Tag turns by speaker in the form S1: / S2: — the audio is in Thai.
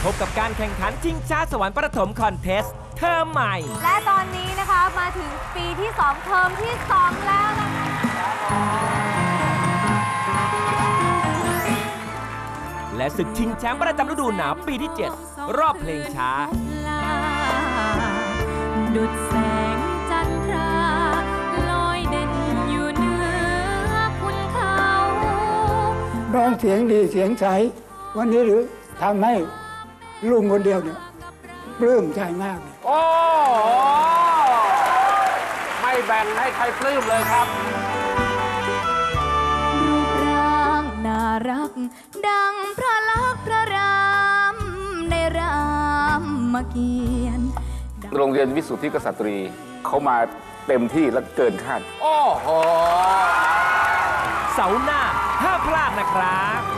S1: พบกับการแข่งขันชิงช้าสวรรค์ประถมคอนเทสต์เทอมใหม่
S2: และตอนนี้นะคะมาถึงปีที่ 2 เทอมที่ 2 แล้วนะคะ
S1: และศึกชิงแชมป์ประจำฤดูหนาวปีที่ 7 รอบเพลงช้า
S3: ดุจแสงจันทราลอยเด่นอยู่เหนือคุณเขา
S4: ร้องเสียงดีเสียงใสวันนี้หรือทำให้ลุงคนเดียวเนี่ยปลื้มใจมากเลย
S5: โอ้ไม่แบ่งให้ใครปลื้มเลยครับ
S3: รูปร่างน่ารักดังพระลักษณ์พระรามในรามเกียรติ์
S5: โรงเรียนวิสุทธิกษัตรีเขามาเต็มที่และเกินคาด โอ้โห
S1: เสาร์หน้าห้ามพลาดนะครับ